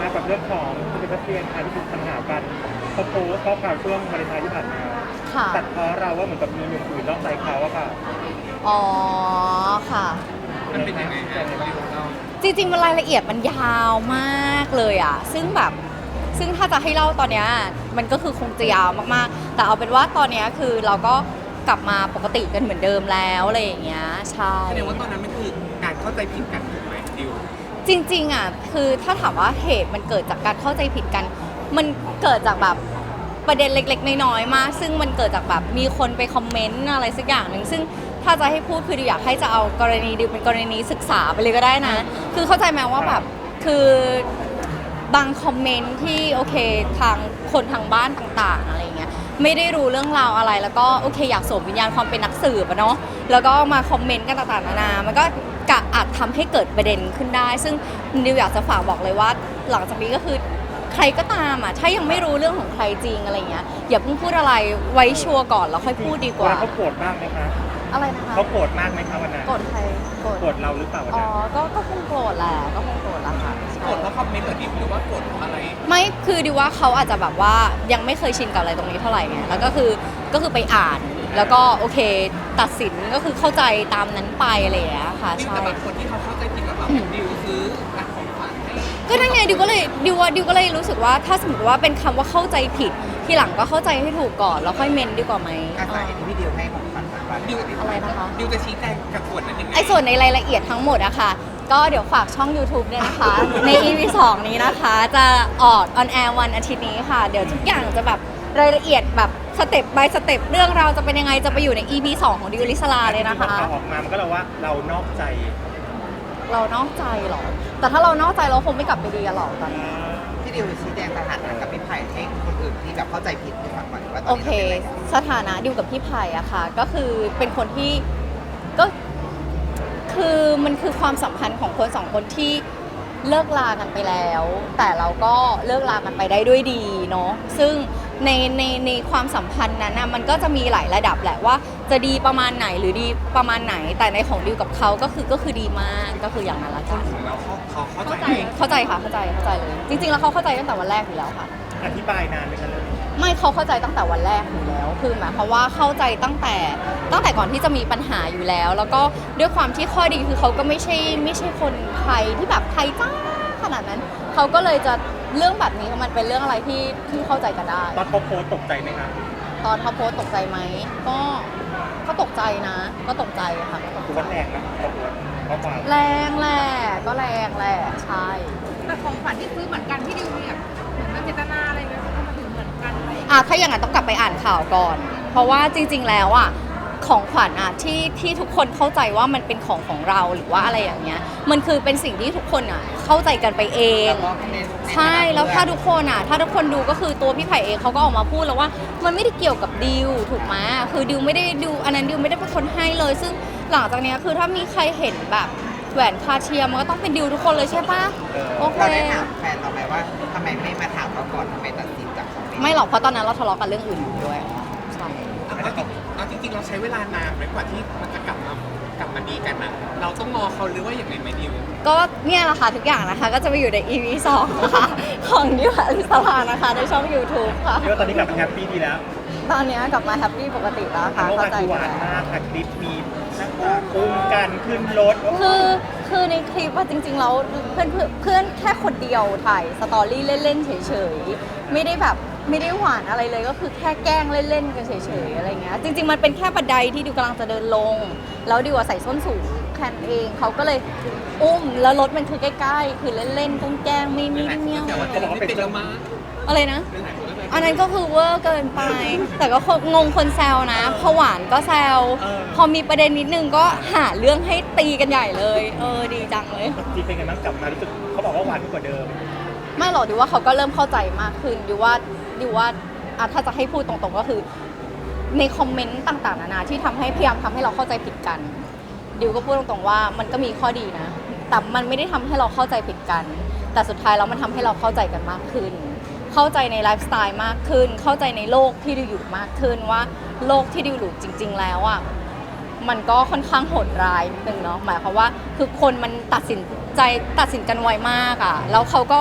คะกับเรื่องของคุณเซบาสเตียนค่ะที่ถูกปัญหากันเขาโพสต์ข้อความช่วงวาเลนไทน์ที่ผ่านมาค่ะตัดเพราะเราว่าเหมือนกับมีหนุ่มอื่นนอกใจเขาอะค่ะอ๋อค่ะมันเป็นยังไงฮะดิวเราจริงๆมันรายละเอียดมันยาวมากเลยอ่ะซึ่งถ้าจะให้เล่าตอนเนี้ยมันก็คือคงจะยาวมากๆแต่เอาเป็นว่าตอนเนี้ยคือเราก็กลับมาปกติกันเหมือนเดิมแล้วอะไรอย่างเงี้ยใช่แสดงว่าตอนนั้นมันคือการเข้าใจผิดกันถูกไหมดิวจริงๆอ่ะคือถ้าถามว่าเหตุมันเกิดจากการเข้าใจผิดกัน มันเกิดจากแบบประเด็นเล็กๆน้อยๆมากซึ่งมันเกิดจากแบบมีคนไปคอมเมนต์อะไรสักอย่างหนึ่งซึ่งถ้าจะให้พูดคือดิวอยากให้จะเอากรณีดิวเป็นกรณีศึกษาไปเลยก็ได้นะ คือเข้าใจไหมว่าแบบคือบางคอมเมนต์ที่โอเคทางคนทางบ้านต่างๆอะไรเงี้ยไม่ได้รู้เรื่องราวอะไรแล้วก็โอเคอยากสวมวิญญาณความเป็นนักสืบอะเนาะแล้วก็มาคอมเมนต์กันต่างๆนานามันก็อาจทำให้เกิดประเด็นขึ้นได้ ซึ่งดิวอยากจะฝากบอกเลยว่าหลังจากนี้ก็คือใครก็ตามอ่ะถ้ายังไม่รู้เรื่องของใครจริงอะไรเงี้ยอย่าเพิ่งพูดอะไรไว้ชัวร์ก่อนแล้วค่อยพูดดีกว่าเขาโกรธมากไหมคะอะไรนะคะเขาโกรธมากไหมคะวันนั้นโกรธใครโกรธโกรธเราหรือเปล่าวันอ๋อนั้นก็คงโกรธแหละก็คงโกรธแหละค่ะใช่กดเพราะคอมเมนต์เหรอดิวหรือว่ากดเพราะอะไรไม่คือดิว่าเขาอาจจะแบบว่ายังไม่เคยชินกับอะไรตรงนี้เท่าไหร่ไงแล้วก็คือไปอ่านแล้วก็โอเคตัดสินก็คือเข้าใจตามนั้นไปอะไรอย่างเงี้ยค่ะดิวใช่แต่บางคนที่เขาเข้าใจผิดว่าแบบดิวซื้อของขวัญให้ก็นั่นไงดิวก็เลยรู้สึกว่าถ้าสมมติว่าเป็นคำว่าเข้าใจผิดทีหลังก็เข้าใจให้ถูกก่อนแล้วค่อยเมนดีกว่าไหมอาสาเห็นที่พี่ดิวให้ของขวัญวันดิวอะไรนะคะดิวจะชี้แจงกับส่วนนั้นยังไงไอ้ส่วนในรายละเอียดทั้งหมดอะค่ะก็เดี๋ยวฝากช่อง YouTube ด้วยนะคะ ใน EP 2 นี้นะคะ จะออนแอร์วันอาทิตย์นี้ค่ะ เดี๋ยวทุกอย่างจะแบบรายละเอียดแบบสเต็ป by สเต็ปเรื่องราวจะเป็นยังไงจะไปอยู่ใน EP 2 ของดิวลิสลาเลยนะคะข่าวออกมามันก็เลยว่าเรานอกใจเรานอกใจเหรอ แต่ถ้าเรานอกใจเราคงไม่กลับไปดีกันหรอกตอนนี้พี่ดิวชี้แจงสถานะกับพี่ไผ่ให้คนอื่นที่แบบเข้าใจผิดให้ฟังก่อนว่าตโออนนี้เคเราเป็นอะไรกันสถานะดิวกับพี่ไผ่อะค่ะ ก็คือเป็นคนที่ก็คือมันคือความสัมพันธ์ของคนสองคนที่เลิกลากันไปแล้ว แต่เราก็เลิกลากันไปได้ด้วยดีเนาะซึ่งในความสัมพันธ์นั้นนะมันก็จะมีหลายระดับแหละว่าจะดีประมาณไหนหรือดีประมาณไหน แต่ในของดิวกับเขาก็คือดีมากก็คืออย่างนั้นละคค่ะนของเราเขาเข้าใจเข้าใจค่ะเข้าใจเลย จริงๆแล้วเขาเข้าใจตั้งแต่วันแรกอยู่แล้วค่ะอธิบายนานไหมคะเรื่องนี้ไม่เขาเข้าใจตั้งแต่วันแรกอยู่แล้ว คือหมายความว่าเข้าใจตั้งแต่ก่อนที่จะมีปัญหาอยู่แล้ว แล้วก็ด้วยความที่ข้อดีคือเขาก็ไม่ใช่คนไทยที่แบบไทยจ้าขนาดนั้น เขาก็เลยจะเรื่องแบบนี้มันเป็นเรื่องอะไรที่เข้าใจกันได้ตอนเขาโพสต์ตกใจไหมคะตอนเขาโพสต์ตกใจไหมก็ตกใจนะ ก็ตกใจค่ะก็ตกคือใจว่าแรงนะเขาโพสต์ข้อความแรงแหละก็แรงแหละใช่แต่ของขวัญที่ซื้อเหมือนกันที่ดิวมีแบบเหมือนมันเจตนาอะไรไหมทำไมถึงเหมือนกันอะไรอย่างเงี้ยถ้าอย่างนั้นต้องกลับไปอ่านข่าวก่อน เพราะว่าจริงๆ แล้วอ่ะของขวัญอ่ะที่ทุกคนเข้าใจว่ามันเป็นของเราหรือว่าอะไรอย่างเงี้ยมันคือเป็นสิ่งที่ทุกคนอ่ะเข้าใจกันไปเองแล้วก็เน้นใช่แล้วถ้าทุกคนอ่ะถ้าทุกคนดูก็คือตัวพี่ไผ่เองเขาก็ออกมาพูดแล้วว่ามันไม่ได้เกี่ยวกับดิวถูกไหมคือดิวไม่ได้ดิวอันนั้นดิวไม่ได้เป็นคนให้เลย ซึ่งหลังจากเนี้ยคือถ้ามีใครเห็นแบบแหวนคาเทียมมันก็ต้องเป็นดิวทุกคนเลยใช่ปะโอเคเราได้ถามแฟนเราไหมว่าทำไมไม่มาถามเราก่อนทำไมตัดสินจากคอมเมนต์ไม่หรอกเพราะตอนนั้นเราทะเลาะกันเรื่องอื่นอยู่ด้วยใช่เอาจริงๆเราใช้เวลานานไหมกว่าที่มันจะกลับมาดีกันนะเราต้องงอเขาหรือว่าอย่างไรไหมดิวก็เนี่ยแหละค่ะทุกอย่างนะคะก็จะไปอยู่ใน EP 2 นะคะของดิวอลิสลานะคะในช่อง YouTube ค่ะเรียกว่าตอนนี้กลับมาแฮปปี้ดีแล้วตอนนี้กลับมาแฮปปี้ปกติแล้วค่ะเมื่อวาเข้าน ใจคือหกัวานนมากค่ะคลิปมีนั่งตาอุ้มกันขึ้นรถคือในคลิปว่าจริงๆแล้วเพื่อนแค่คนเดียวถ่ายสตอรี่เล่นๆเฉยๆไม่ได้แบบไม่ได้หวานอะไรเลยก็คือแค่แกล้งเล่นๆกันเฉยๆอะไรเงี้ยจริงๆมันเป็นแค่บันไดที่ดิวกำลังจะเดินลงแล้วดิวใส่ส้นสูงแค่นั้นเองเขาก็เลยอุ้มแล้วรถมันคือใกล้ๆคือเล่นๆแกล้งๆไม่เมี่ยวแต่ว่าเราไม่เป็นแล้วมาอะไรนะ อันนั้นก็คือเวอร์เกินไป แต่ก็งงคนแซวนะพอหวานก็แซว พอมีประเด็นนิดนึงก็หาเรื่องให้ตีกันใหญ่เลย ดีจังเลยจริงเป็นไงบ้างกลับมารู้สึกเขาบอกว่าหวานขึ้นกว่าเดิมไม่หรอกดิว่าเขาก็เริ่มเข้าใจมากขึ้นดิว่าถ้าจะให้พูดตรงๆก็คือ ในคอมเมนต์ต่างๆนานาที่พยายามทำให้เราเข้าใจผิดกันดิวก็พูดตรงๆว่ามันก็มีข้อดีนะ แต่มันไม่ได้ทำให้เราเข้าใจผิดกัน แต่สุดท้ายแล้วมันทำให้เราเข้าใจกันมากขึ้น เข้าใจในไลฟ์สไตล์มากขึ้น เข้าใจในโลกที่ดิวอยู่มากขึ้นว่าโลกที่ดิวอยู่จริง ๆ แล้วอ่ะมันก็ค่อนข้างโหดร้ายนิดนึงเนาะหมายความว่าคือคนมันตัดสินกันไวมากอ่ะแล้วเขาก็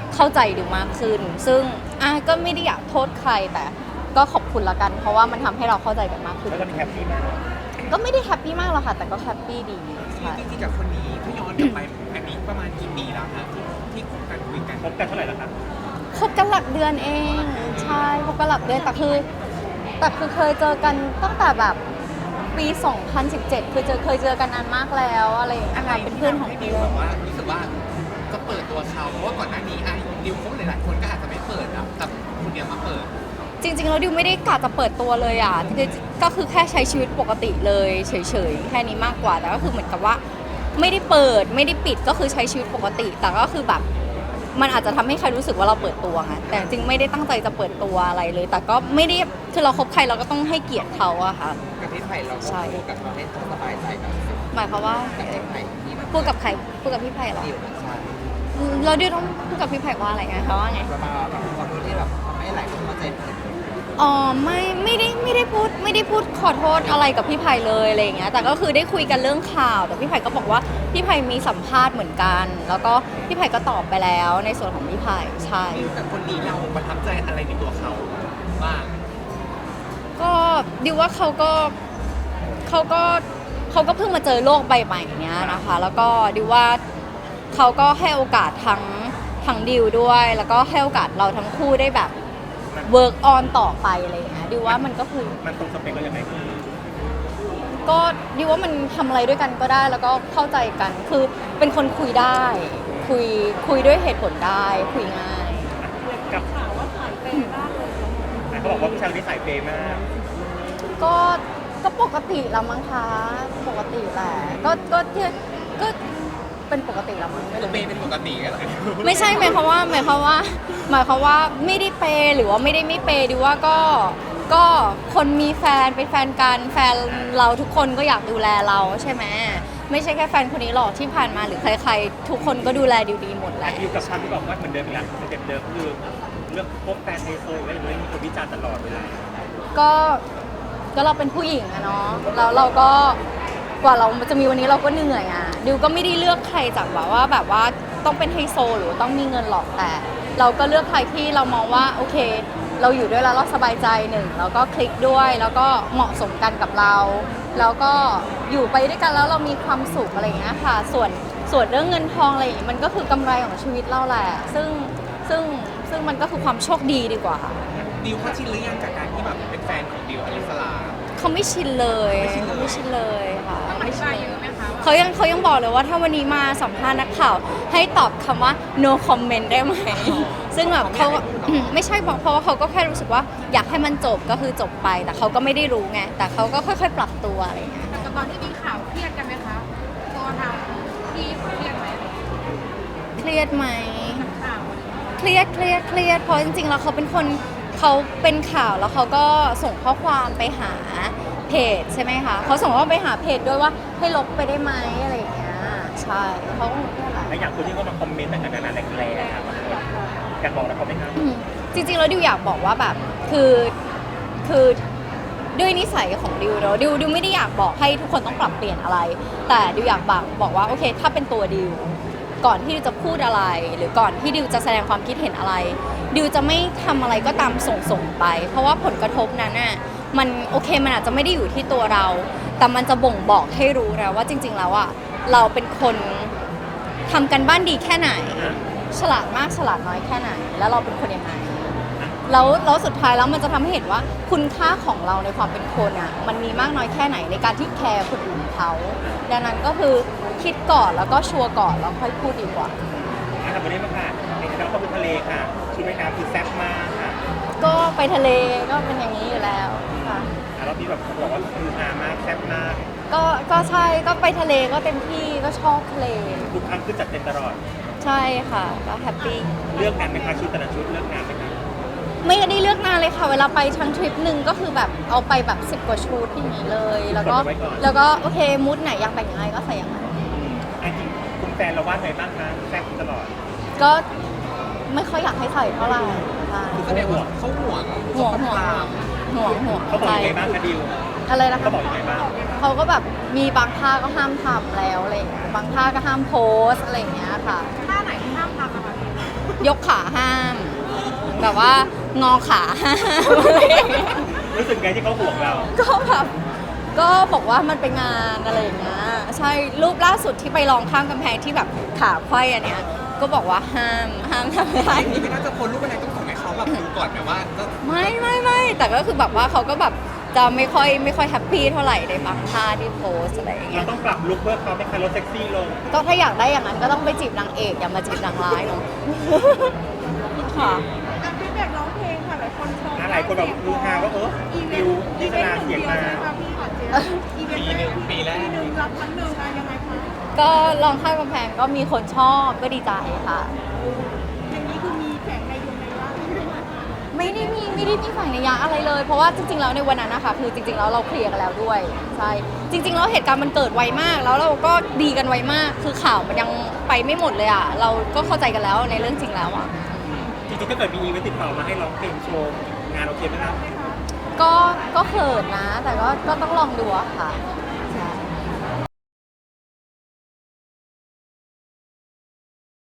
เข้าใจดิวมากขึ้น ซึ่งก็ไม่ได้อยากโทษใครแต่ก็ขอบคุณละกัน เพราะว่ามันทำให้เราเข้าใจกันมากขึ้นแล้วตอนนี้แฮปปี้มากก็ไม่ได้แฮปปี้มากหรอกค่ะ แต่ก็แฮปปี้ดีใช่จริงๆกับคนนี้ถ้าย้อนกลับไปอันนี้ประมาณกี่ปีแล้วนะที่คบกันคุยกันคบกันเท่าไหร่แล้วครับคบกันหลักเดือนเองใช่คบกันหลักเดือนแต่คือเคยเจอกันตั้งแต่แบบปี 2017 เคยเจอกันนานมากแล้วอะไรอย่างเงี้ยอะไรค่ะเป็นเพื่อนของดิเพื่วอแบนบว่ารู้สึกว่าจะเปิดตัวเขาเพราะว่าก่อนหน้านี้ดิวคบหลายๆคนก็อาจจะไม่เปิดอะแต่คนเดียวมาเปิดจริงๆแล้วดิวไม่ได้กะจะเปิดตัวเลยอ่ะก็คือแค่ใช้ชีวิตปกติเลยเฉยๆแค่นี้มากกว่าแต่ก็คือเหมือนกับว่าไม่ได้เปิดไม่ได้ปิดก็คือใช้ชีวิตปกติ แต่ก็คือแบบมันอาจจะทำให้ใครรู้สึกว่าเราเปิดตัวไงแต่จริงไม่ได้ตั้งใจจะเปิดตัวอะไรเลย แต่ก็ไม่ได้คือเราคบใครเราก็ต้องให้เกียรติเขาอะค่ะกับพี่ไผ่เราก็ใช่พูดกับเขาให้เขาสบายใจกับสิ่งหมายความว่ากับพี่ไผ่ที่มันพูดกับใครพูดกับพี่ไผ่เหรอดิวนะใช่เราดิวต้องพูดกับพี่ไผ่ว่าอะไรไงเขาว่าไงประมาณแบบขอโทษที่แบบทำให้หลายคนเข้าใจผิดอ๋อไม่ได้พูดขอโทษอะไรกับพี่ไผ่เลยอะไรอย่างเงี้ยแต่ก็คือได้คุยกันเรื่องข่าวแต่พี่ไผ่ก็บอกว่าพี่ไผ่มีสัมภาษณ์เหมือนกัน แล้วก็พี่ไผ่ก็ตอบไปแล้วในส่วนของพี่ไผ่ใช่ดิวกับคนนี้เราประทับใจอะไรในตัวเขาบ้างก็ดิวว่าเขาก็เพิ่งมาเจอโลกใบใหม่เนี้ยนะคะ แล้วก็ดิวว่าเขาก็ให้โอกาสทั้งดิวด้วย แล้วก็ให้โอกาสเราทั้งคู่ได้แบบเวิร์กออนต่อไปอะไรอย่างเงี้ยดิวว่ามันก็คือมันตรงสเปคเรายังไงคือก็ดิวว่ามันทำอะไรด้วยกันก็ได้แล้วก็เข้าใจกันคือเป็นคนคุยได้ คุยด้วยเหตุผลได้คุยง่ายกับข่าวว่าสายเปย์มากเลยเขาบอกว่าผู้ชายคนนี้สายเปย์มากก็ปกติละมั้งคะปกติแหละก็เป็นปกติละมั้งไม่ตัวรู้เปย์เป็นปกติกันเหรอไม่ใช่หมายความว่าไม่ได้เปย์หรือว่าไม่ได้ไม่เปย์ดิวว่าก็คนมีแฟนเป็นแฟนกันแฟนเราทุกคนก็อยากดูแลเราใช่ไหมไม่ใช่แค่แฟนคนนี้หรอกที่ผ่านมาหรือใครๆทุกคนก็ดูแลดิวดีหมดแหละอยู่กับคำที่บอกว่าเหมือนเดิมอีกแล้วสเต็ปเดิมคือเรื่องพบแฟนไฮโซอะไรอย่างเงี้ยมีคนวิจารณ์ตลอดเวลาก็เราเป็นผู้หญิงอะเนาะแล้วเราก็กว่าเราจะมีวันนี้เราก็เหนื่อยอะดิวก็ไม่ได้เลือกใครจากแบบว่าต้องเป็นไฮโซหรือต้องมีเงินหรอกแต่ เราก็เลือกใครที่เรามองว่าโอเค เราอยู่ด้วยแล้วเราสบายใจหนึ่งแล้วก็คลิกด้วยแล้วก็เหมาะสมกันกับเรา แล้วก็อยู่ไปด้วยกันแล้วเรามีความสุขอะไรอย่างเงี้ยค่ะส่วนเรื่องเงินทองอะไรอย่างเงี้ยมันก็คือกำไรของชีวิตเราแหละซึ่งมันก็คือความโชคดีดีกว่าดิวเขาชินหรือยังกับการที่แบบเป็นแฟนของดิวอลิสลาเขาไม่ชินเลยไม่ชินเลยไม่ชินเลยค่ะต้องอธิบายเยอะไหมคะว่าเขายังบอกเลยว่าถ้าวันนี้มาสัมภาษณ์นักข่าวให้ตอบคำว่า no comment ได้ไหม ซึ่งแบบเขาไม่ใช่บอกเพราะว่าเขาก็แค่รู้สึกว่าอยากให้มันจบก็คือจบไป แต่เขาก็ไม่ได้รู้ไงแต่เขาก็ค่อยๆ ปรับตัวอะไรอย่างเงี้ยแต่ตอนที่มีข่าวเครียดกันไหมคะตัวทางพี่เครียดไหมเครียดไหมข่าวเครียดเพราะจริงๆแล้วเขาเป็นคนเขาเป็นข่าวแล้วเขาก็ส่งข้อความไปหาเพจใช่ไหมคะเขาส่งข้อความไปหาเพจด้วยว่าให้ลบไปได้ไหมอะไรอย่างเงี้ยใช่เขาก็คงเครียดแหละและอย่างคนที่เขามาคอมเมนต์ต่างๆนานาแรงๆครับอยากบอกนะเขาไหมครับจริงๆแล้วดิวอยากบอกว่าแบบคือด้วยนิสัยของดิวเนอะดิวไม่ได้อยากบอกให้ทุกคนต้องปรับเปลี่ยนอะไร แต่ดิวอยากบอกว่าโอเคถ้าเป็นตัวดิวก่อนที่ดิวจะพูดอะไร หรือก่อนที่ดิวจะแสดงความคิดเห็นอะไรดิวจะไม่ทำอะไรก็ตามส่งไป เพราะว่าผลกระทบนั้นน่ะมันโอเคมันอาจจะไม่ได้อยู่ที่ตัวเรา แต่มันจะบ่งบอกให้รู้แล้วว่าจริง ๆ แล้วอ่ะเราเป็นคนทำกันบ้านดีแค่ไหน ฉลาดมากฉลาดน้อยแค่ไหน แล้วเราเป็นคนยังไงแล้วสุดท้ายแล้วมันจะทำให้เห็นว่าคุณค่าของเราในความเป็นคนอ่ะมันมีมากน้อยแค่ไหนในการที่แคร์คนอื่นเขาดังนั้นก็คือคิดก่อนแล้วก็ชัวร์ก่อนแล้วค่อยพูดดีกว่าทำวันนี้มาค่ะในคณะเข้าไปทะเลค่ะชุดว่ายน้ำคือแซ่บมากค่ะก็ไปทะเลก็เป็นอย่างนี้อยู่แล้วค่ะแล้วพี่แบบเขาบอกว่าคือฮามากแซ่บมากก็ใช่ก็ไปทะเลก็เต็มที่ก็ชอบทะเลทุกครั้งคือจัดเต็มตลอดใช่ค่ะก็แฮปปี้เลือกงานไหมคะชุดแต่ละชุดเลือกงานไหมคะไม่ได้เลือกนานเลยค่ะ เวลาไปทั้งทริปหนึ่งก็คือแบบเอาไปแบบ10 กว่าชุดอย่างนี้เลย แล้วก็โอเคมูดไหนอยากแต่งยังไงก็ใส่อย่างนั้นจริงคุณแฟนเราว่าไงบ้างคะแซ่บตลอดก็ไม่ค่อยอยากให้ใส่เท่าไหร่ใช่คือแสดงว่าเขาห่วงห่วงเขาตามเขาบอกยังไงบ้างคะดิวอะไรนะคะเขาบอกยังไงบ้างเขาก็แบบมีบางท่าก็ห้ามทำแล้วอะไรอย่างเงี้ยบางท่าก็ห้ามโพสอะไรอย่างเงี้ยค่ะท่าไหนที่ห้ามทำอะคะพี่ยกขาห้าม แบบว่างอขาห้ามอะไรอย่างเงี้ยรู้สึกไงที่เขาห่วงเราก็แบบก็บอกว่ามันเป็นงานอะไรอย่างเงี้ยใช่รูปล่าสุดที่ไปลองข้ามกำแพงที่แบบขาไขว้อันเนี้ยก็บอกว่าห้ามทำอะไรนี่ไม่น่าจะโพสต์รูปอะไรต้องส่งให้เขาแบบดูก่อนไหมว่าจะไม่แต่ก็คือแบบว่าเขาก็แบบจะไม่ค่อยแฮปปี้เท่าไหร่ในบางท่าที่โพสอะไรอย่างเงี้เรายต้องปรับลุคเพื่อเขาไม่คันรถเซ็กซี่ลงก็ถ้าอยากได้อย่างนั้นก็ต้องไปจีบนางเอกอย่ามาจีบนางร้ายเนาะ ค่ะการฟีดแบ็กร้องเพลงค่ะหลายคนชมหลายคนแบบฮือฮาว่าดิวดิสนาเสียงมาใช่ไหมคะพี่ขอเจ๊อีเวนต์แรกปีหนึ่งรับครั้งหนึ่งอะยังไงคะก็ลองข้ามกำแพงก็มีคนชอบก็ดีใจค่ะอย่างนี้คือมีแฝงในดวงในร่างไม่ได้มีฝ่ายนัยยะอะไรเลย เพราะว่าจริงๆแล้วในวันนั้นนะคะคือจริงๆแล้วเราเคลียร์กันแล้วด้วยใช่จริงๆแล้วเหตุการณ์มันเกิดไวมาก แล้วเราก็ดีกันไวมาก คือข่าวมันยังไปไม่หมดเลยอ่ะเราก็เข้าใจกันแล้วในเรื่องจริงแล้วอ่ะจริงๆถ้าเกิดมีอีเวนต์ติดต่อมาให้ร้องเพลงโชว์งานโอเคไหมครับก็เขินนะ แต่ก็ต้องลองดูอะค่ะ